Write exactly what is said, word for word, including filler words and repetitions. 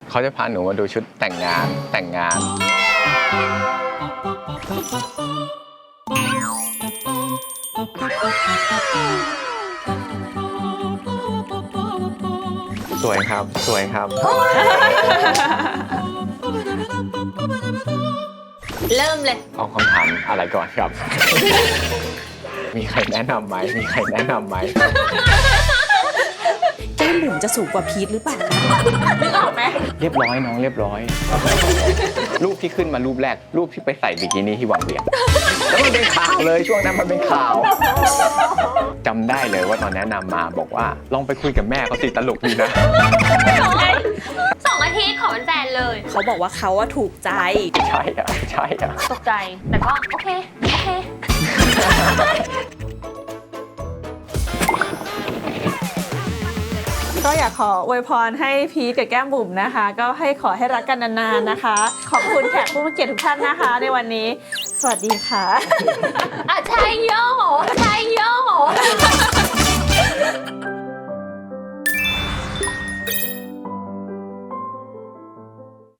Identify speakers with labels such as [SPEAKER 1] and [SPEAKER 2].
[SPEAKER 1] เขาจะพาหนูมาดูชุดแต่งงานแต่งงานสวยครับสวยครับ
[SPEAKER 2] เริ่มเลย
[SPEAKER 1] เอาคำถามอะไรก่อนครับ มีใครแนะนำไหมมีใครแนะนำไหม
[SPEAKER 3] แก้มบุ๋มจะสูงกว่าพีทหรือเปล่านึกออกไหม
[SPEAKER 1] เรียบร้อยน้องเรียบร้อย รูปที่ขึ้นมารูปแรกรูปที่ไปใส่บิกินี่ที่วังเวียงแล้วมันเป็นข่าวเลยช่วงนั้นมันเป็นข่าวจำได้เลยว่าตอนแนะนำมาบอกว่าลองไปคุยกับแม่เขาสิตลกดีนะ
[SPEAKER 2] สองอาทิตย์ขอเป็นแฟนเลย
[SPEAKER 3] เขาบอกว่าเขาว่าถูกใจ
[SPEAKER 1] ใช่อะใช่อะ
[SPEAKER 2] ตกใจแต่ก็โอเคโอเค
[SPEAKER 3] ก็อยากขออวยพรให้พีทกับแก้มบุ๋มนะคะก็ให้ขอให้รักกันนานๆนะคะขอบคุณแขกผู้มีเกียรติทุกท่านนะคะในวันนี้สวัสดีค่ะ
[SPEAKER 2] อ่ะใช่โย